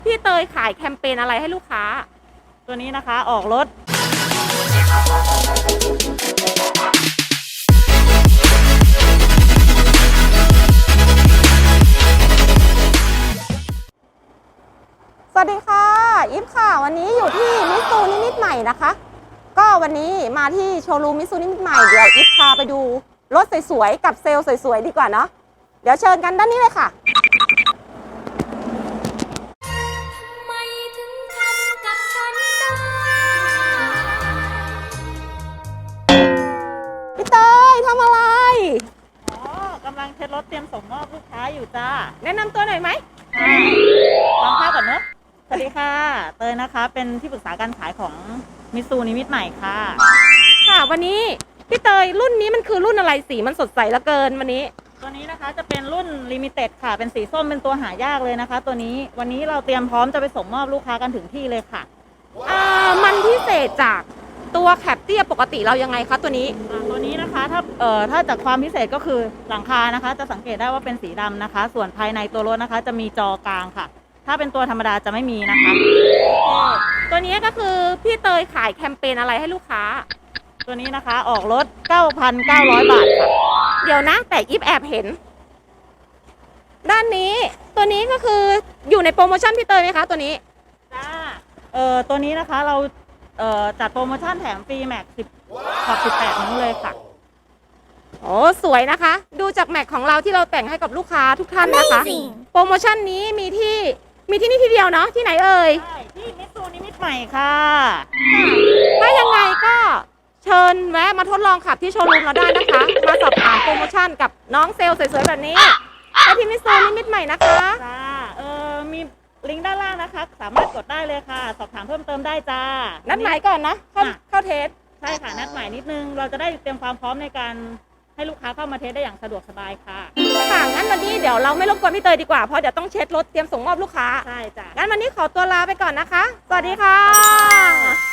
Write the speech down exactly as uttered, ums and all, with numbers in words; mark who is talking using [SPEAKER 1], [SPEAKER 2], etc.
[SPEAKER 1] พี่เตยขายแคมเปญอะไรให้ลูกค้า
[SPEAKER 2] ตัวนี้นะคะออกรถ
[SPEAKER 1] สวัสดีค่ะอิฟค่ะวันนี้อยู่ที่มิตซูนิมิตใหม่นะคะก็วันนี้มาที่โชว์รูมมิตซูนิมิตใหม่เดี๋ยวอิฟพาไปดูรถสวยๆกับเซลล์สวยๆดีกว่าเนาะเดี๋ยวเชิญกันด้านนี้เลยค่ะพี่เตยทำอะไร
[SPEAKER 2] อ๋อกำลังเช็ดรถเตรียมส่งมอบลูกค้าอยู่จ้า
[SPEAKER 1] แนะนำตัวหน่อยไหม
[SPEAKER 2] ลองภาพก่อนเนอะสวัสดีค่ะเตยนะคะเป็นที่ปรึกษาการขายของมิตซูนิมิตใหม่ค่ะ
[SPEAKER 1] ค่ะวันนี้พี่เตยรุ่นนี้มันคือรุ่นอะไรสีมันสดใสเหลือเกินวันนี้
[SPEAKER 2] ตัวนี้นะคะจะเป็นรุ่นลิมิเต็ดค่ะเป็นสีส้มเป็นตัวหายากเลยนะคะตัวนี้วันนี้เราเตรียมพร้อมจะไปส่งมอบลูกค้ากันถึงที่เลยค่ะ
[SPEAKER 1] อ่ามันพิเศษจากตัวแคปเตี้ยปกติเรายังไงคะตัวนี้
[SPEAKER 2] ตัวนี้นะคะถ้าเอ่อถ้าจากความพิเศษก็คือหลังคานะคะจะสังเกตได้ว่าเป็นสีดำนะคะส่วนภายในตัวรถนะคะจะมีจอกลางค่ะถ้าเป็นตัวธรรมดาจะไม่มีนะคะ
[SPEAKER 1] ตัวนี้ก็คือพี่เตยขายแคมเปญอะไรให้ลูกค้า
[SPEAKER 2] ตัวนี้นะคะออกรถ เก้าพันเก้าร้อย บาทค่ะ
[SPEAKER 1] เดี๋ยวนะแต่อิฟแอบเห็นด้านนี้ตัวนี้ก็คืออยู่ในโปรโมชั่นพี่เตยไหมคะตัวนี้
[SPEAKER 2] จ้าเอ่อตัวนี้นะคะเราเอ่อจัดโปรโมชั่นแถมฟรีแม็กสิบขอบสิบแปดนิ้วเลยค่ะ
[SPEAKER 1] โอ้สวยนะคะดูจากแม็กของเราที่เราแต่งให้กับลูกค้าทุกท่านนะคะโปรโมชั่นนี้มีที่มีที่นี่ที่เดียวเนาะที่ไหนเอ่ย
[SPEAKER 2] ใช่ที่มิตซูนิมิตใหม่ค่ะ
[SPEAKER 1] ถ้ายังไงก็เชิญแวะมาทดลองขับที่โชว์รูมเราได้นะคะมาสอบถามโปรโมชั่นกับน้องเซลล์สวยๆแบบนี้ไปที่มิตซูนิมิตใหม่นะคะ
[SPEAKER 2] จ้าเออมีลิงก์ด้านล่างนะคะสามารถกดได้เลยค่ะสอบถามเพิ่มเติมได้จ้า
[SPEAKER 1] นัดหมายก่อนนะเข้าเข้าเทส
[SPEAKER 2] ใช่ค่ะนัดหมายนิดนึงเราจะได้เตรียมความพร้อมในการให้ลูกค้าเข้ามาเทสได้อย่างสะดวกสบายค่ะ
[SPEAKER 1] ค่ะงั้นวันนี้เดี๋ยวเราไม่รบกวนพี่เตยดีกว่าเพราะเดี๋ยวต้องเช็ดรถเตรียมส่งมอบลูกค้า
[SPEAKER 2] ใช่จ้ะ
[SPEAKER 1] งั้นวันนี้ขอตัวลาไปก่อนนะคะสวัสดีค่ะ